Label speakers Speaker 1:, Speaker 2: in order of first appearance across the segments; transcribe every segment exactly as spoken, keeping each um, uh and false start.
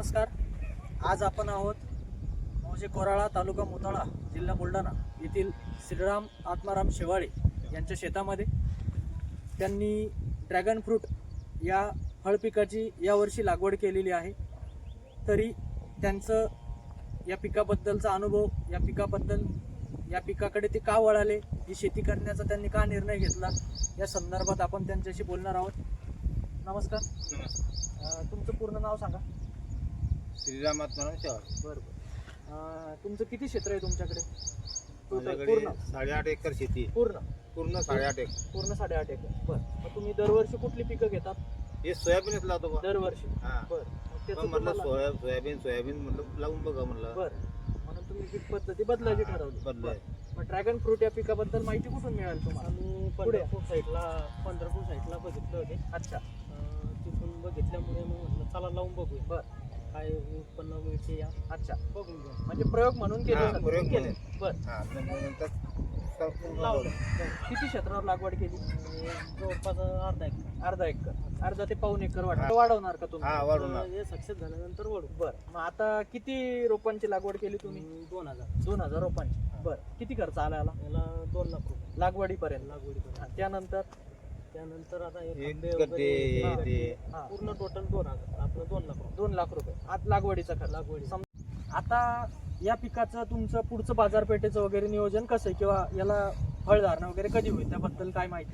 Speaker 1: नमस्कार. आज आपण आहोत मौजे कोराळा, तालुका मोताळा, जिल्हा बुलढाणा येथील श्रीराम आत्माराम शेवाळे यांच्या शेतामध्ये. त्यांनी ड्रॅगन फ्रूट या फळपिकाची यावर्षी लागवड केलेली आहे. तरी त्यांचं या पिकाबद्दलचा अनुभव, या पिकाबद्दल या पिकाकडे ते का वळाले, ही शेती करण्याचा त्यांनी का निर्णय घेतला, या संदर्भात आपण त्यांच्याशी बोलणार आहोत. नमस्कार.
Speaker 2: नमस्कार.
Speaker 1: तुमचं पूर्ण नाव सांगा.
Speaker 2: श्रीराम आत्माराम शेवाळे.
Speaker 1: बरोबर. तुमचं किती क्षेत्र आहे तुमच्याकडे?
Speaker 2: माझ्याकडे
Speaker 1: पूर्ण
Speaker 2: साडेआठ एकर शेती.
Speaker 1: पूर्ण
Speaker 2: पूर्ण साडेआठ एकर.
Speaker 1: पूर्ण साडेआठ एकर. बरं. मग तुम्ही दरवर्षी कुठली पिकं घेतात?
Speaker 2: हे सोयाबीनच लावतो बा.
Speaker 1: दरवर्षी.
Speaker 2: हा.
Speaker 1: बरं. मग
Speaker 2: पण
Speaker 1: त्याचं
Speaker 2: म्हटलं
Speaker 1: तुम्हाला-
Speaker 2: सोया सोयाबीन सोयाबीन म्हटलं लावून बघा म्हणलं.
Speaker 1: बरं. म्हणून तुम्ही पीक पद्धती बदलायची ठरवली.
Speaker 2: बदलाय.
Speaker 1: बरं. मग ड्रॅगन फ्रूट या पिकाबद्दल माहिती कुठून मिळाली तुम्हाला?
Speaker 3: आम्ही पंढरपूर साईडला पंढरपूर साईडला बघितलं होते.
Speaker 1: अच्छा.
Speaker 3: अं, तिथून बघितल्यामुळे मग म्हटलं चला लावून बघूया
Speaker 1: बरं.
Speaker 3: काय उत्पन्न मिळते या
Speaker 1: अच्छा.
Speaker 3: बघून घेऊ.
Speaker 1: म्हणजे प्रयोग म्हणून केले
Speaker 2: हा,
Speaker 1: जाते.
Speaker 2: प्रयोग
Speaker 1: केले.
Speaker 2: म्हणून.
Speaker 1: बरं.
Speaker 2: हा, नंतर
Speaker 3: लावलं.
Speaker 2: लावलं.
Speaker 1: किती क्षेत्रावर लागवड केली?
Speaker 3: आणि जवळपास अर्धा एक
Speaker 1: अर्धा एकर. अर्धा ते पाऊन एकर वाढ
Speaker 2: हा.
Speaker 1: वाढवणार का तुम्ही?
Speaker 2: हा वाढवणार.
Speaker 3: हे सक्सेस झाल्यानंतर वळू.
Speaker 1: बरं. मग आता किती रोपांची लागवड केली तुम्ही?
Speaker 3: तुम्ही दोन हजार
Speaker 1: दोन हजार रोपांची. बरं. किती खर्च आला याला
Speaker 3: याला दोन लाख रुपये
Speaker 1: लागवडीपर्यंत?
Speaker 3: लागवडीपर्यंत.
Speaker 1: हा, त्यानंतर
Speaker 3: त्यानंतर आता हे
Speaker 2: हे
Speaker 3: खंबे
Speaker 2: गड्डे,
Speaker 3: वगैरे,
Speaker 2: हे
Speaker 3: हा,
Speaker 2: ते.
Speaker 1: हा,
Speaker 3: पूर्ण टोटल दोन हजार आपलं दोन लाख रुपये
Speaker 1: दोन लाख रुपये आज लागवडीचा खर्च.
Speaker 3: लागवडी.
Speaker 1: सम- आता या पिकाचं तुमचं पुढचं बाजारपेठेचं वगैरे नियोजन कसं आहे, किंवा याला फळधारणा वगैरे कधी होईल त्याबद्दल काय माहिती?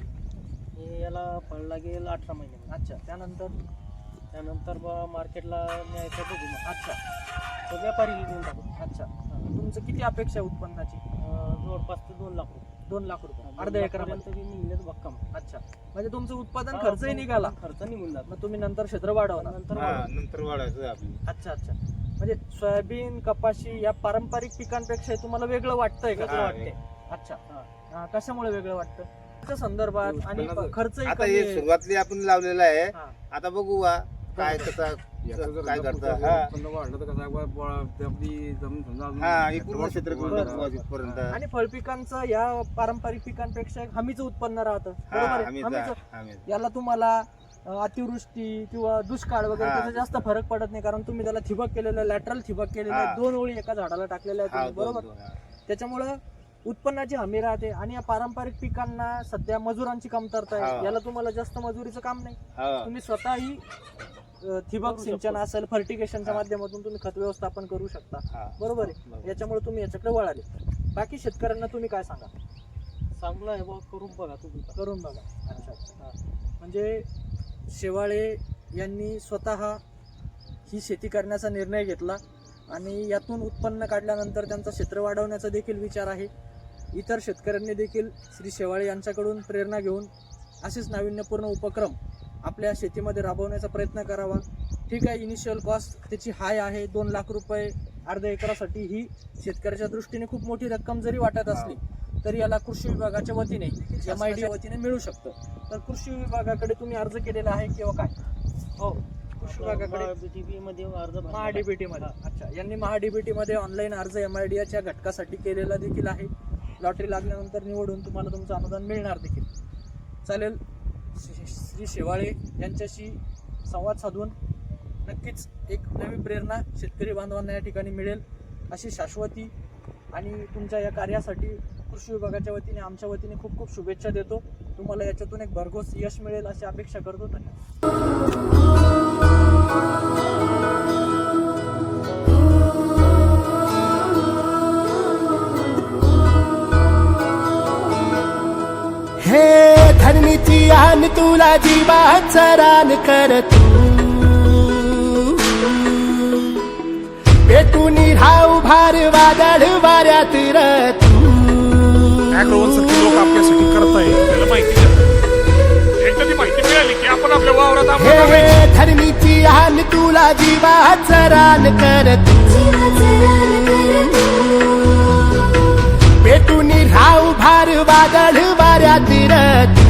Speaker 3: हे याला फळ लागेल अठरा महिने.
Speaker 1: अच्छा. त्यानंतर
Speaker 3: त्यानंतर बा मार्केटला न्यायचं बघू मग.
Speaker 1: अच्छा.
Speaker 3: तो व्यापारी देऊन टाकू.
Speaker 1: अच्छा. तुमचं किती अपेक्षा आहे उत्पन्नाची?
Speaker 3: अं, जवळपास ते दोन लाख रुपये.
Speaker 1: दोन लाख रुपये
Speaker 3: दोन
Speaker 1: अर्ध्या
Speaker 3: लाखापर्यंत
Speaker 1: एकरापर्यंत.
Speaker 3: बी निघण्यात भक्कम.
Speaker 1: अच्छा. म्हणजे तुमचं उत्पादन
Speaker 3: हा,
Speaker 1: खर्चही
Speaker 3: पण
Speaker 1: निघाला,
Speaker 3: खर्च निघून जातो.
Speaker 1: मग तुम्ही नंतर क्षेत्र वाढवणार.
Speaker 3: नंतर
Speaker 2: हा,
Speaker 3: वाढवू.
Speaker 2: नंतर वाढायचं आपली.
Speaker 1: अच्छा. अच्छा. म्हणजे सोयाबीन, कपाशी या पारंपरिक पिकांपेक्षा हे तुम्हाला वेगळं वाटतंय का?
Speaker 2: हा,
Speaker 1: वाटतंय. अच्छा. हा, कशामुळे वेगळं वाटतं? त्याच्या संदर्भात आणि
Speaker 2: उत्पन्नाचं-
Speaker 1: खर्चही
Speaker 2: आता
Speaker 1: कमी
Speaker 2: हे
Speaker 1: आहे.
Speaker 2: सुरुवातली आपण लावलेलं आहे.
Speaker 1: हा.
Speaker 2: आता बघू वा काय कसं काय करतं. हा
Speaker 4: वाढलं तर कसं आपली जमीन समजा
Speaker 2: हा हे पूर्ण क्षेत्र
Speaker 1: बरं.
Speaker 2: इथपर्यंत.
Speaker 1: आणि फळपिकांचं या पारंपरिक पिकांपेक्षा एक हमीचं उत्पन्न राहतं.
Speaker 2: हा
Speaker 1: बरोबर आहे?
Speaker 2: आम्ही
Speaker 1: हमीचं.
Speaker 2: आम्ही
Speaker 1: याला तुम्हाला अ, अतिवृष्टी किंवा दुष्काळ वगैरे
Speaker 2: हा.
Speaker 1: त्याचा जास्त फरक पडत नाही, कारण तुम्ही त्याला ठिबक केलेलं आहे, लॅटरल ठिबक केलेलं आहे,
Speaker 2: हा.
Speaker 1: दोन ओळी एका झाडाला टाकलेल्या आहेत
Speaker 2: हा
Speaker 1: तुम्ही,
Speaker 2: दोन-
Speaker 1: बरोबर.
Speaker 2: दोन, हा.
Speaker 1: त्याच्यामुळं उत्पन्नाची हमी राहते. आणि या पारंपरिक पिकांना सध्या मजुरांची कमतरता आहे.
Speaker 2: हा.
Speaker 1: याला तुम्हाला जास्त मजुरीचं काम नाही.
Speaker 2: हा.
Speaker 1: तुम्ही स्वतःही अ, ठिबक
Speaker 3: करू
Speaker 1: सिंचन
Speaker 3: शकतो.
Speaker 1: असेल, फर्टिगेशनच्या
Speaker 2: हा.
Speaker 1: माध्यमातून तुम्ही खत व्यवस्थापन करू शकता.
Speaker 2: हा.
Speaker 1: बरोबर आहे. याच्यामुळे तुम्ही याच्याकडे वळाले. बाकी शेतकऱ्यांना तुम्ही काय सांगा?
Speaker 3: चांगलं आहे बा, करून बघा तुम्ही.
Speaker 1: करून बघा. अच्छा. हा. म्हणजे शेवाळे यांनी स्वतः ही शेती करण्याचा निर्णय घेतला आणि यातून उत्पन्न काढल्यानंतर त्यांचा क्षेत्र वाढवण्याचा देखील विचार आहे. इतर शेतकऱ्यांनी देखील श्री शेवाळे यांच्याकडून प्रेरणा घेऊन असेच नाविन्यपूर्ण उपक्रम आपल्या शेतीमध्ये राबवण्याचा प्रयत्न करावा. ठीक आहे, इनिशियल कॉस्ट त्याची हाय आहे, दोन लाख रुपये अर्ध्या एकरासाठी ही शेतकऱ्याच्या दृष्टीने खूप मोठी रक्कम जरी वाटत असली तरी याला कृषी विभागाच्या वतीने एम आय डी वतीने मिळू शकतं. तर कृषी विभागाकडे तुम्ही अर्ज केलेला आहे किंवा काय? हो, कृषी विभागाकडे
Speaker 3: बीटीपी मध्ये अर्ज भरला.
Speaker 1: महाडीबीटी मध्ये. अच्छा. यांनी महाडीबीटी मध्ये ऑनलाईन अर्ज एम आय डी च्या घटकासाठी केलेला देखील आहे. लॉटरी लागल्यानंतर निवडून तुम्हाला तुमचं अनुदान मिळणार देखील. चालेल. श्री शेवाळे यांच्याशी संवाद साधून नक्कीच एक नवी प्रेरणा शेतकरी बांधवांना या ठिकाणी मिळेल अशी शाश्वती आणि तुमच्या या कार्यासाठी कृषी विभागाच्या वतीने, आमच्या वतीने खूप खूप शुभेच्छा देतो. तुम्हाला याच्यातून एक भरघोस यश मिळेल अशी अपेक्षा करतो.
Speaker 5: हे धरणीची आन तुला जीवाचं रान कर तू, पेटून राहू भार वादळ वाऱ्यात र तू.
Speaker 6: अॅग्रोवन सारखे लोक आपल्यासाठी करताय, त्याला माहिती द्या. एकदा ती माहिती मिळाली की आपण आपल्या वावरात आपण
Speaker 5: हे धरणीची आन तुला जीवाचं रान कर तू, पेटून राहू भार वादळ वाऱ्यात र तू.